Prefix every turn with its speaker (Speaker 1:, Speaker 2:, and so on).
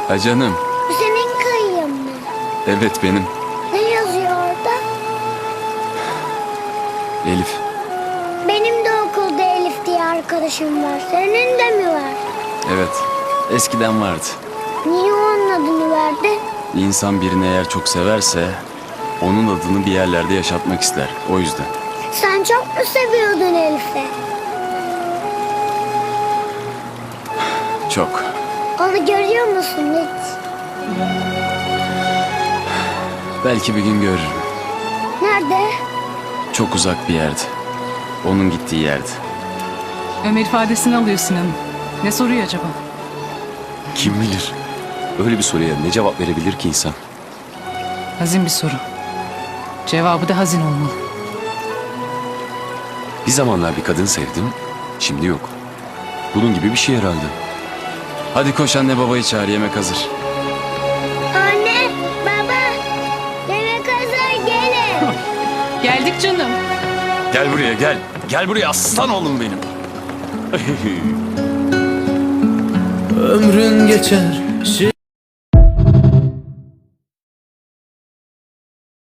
Speaker 1: Ha canım.
Speaker 2: Bu senin kayığın mı?
Speaker 1: Evet benim.
Speaker 2: Ne yazıyor orada?
Speaker 1: Elif.
Speaker 2: Benim de okulda Elif diye arkadaşım var. Senin de mi var?
Speaker 1: Evet. Eskiden vardı.
Speaker 2: Niye onun adını verdin?
Speaker 1: İnsan birini eğer çok severse onun adını bir yerlerde yaşatmak ister. O yüzden.
Speaker 2: Sen çok mu seviyordun Elif'i?
Speaker 1: Çok.
Speaker 2: Onu görüyor musun hiç?
Speaker 1: Belki bir gün görürüm.
Speaker 2: Nerede?
Speaker 1: Çok uzak bir yerde. Onun gittiği yerde.
Speaker 3: Ömer ifadesini alıyor Sinan'ın. Ne soruyor acaba?
Speaker 4: Kim bilir? Öyle bir soruya ne cevap verebilir ki insan?
Speaker 3: Hazin bir soru. Cevabı da hazin olmalı.
Speaker 4: Bir zamanlar bir kadın sevdim, şimdi yok. Bunun gibi bir şey herhalde.
Speaker 1: Hadi koş anne babayı çağır, yemek hazır.
Speaker 2: Anne, baba, yemek hazır, gelin.
Speaker 3: Geldik canım.
Speaker 4: Gel buraya gel. Gel buraya aslan oğlum benim.
Speaker 5: Ömrün geçer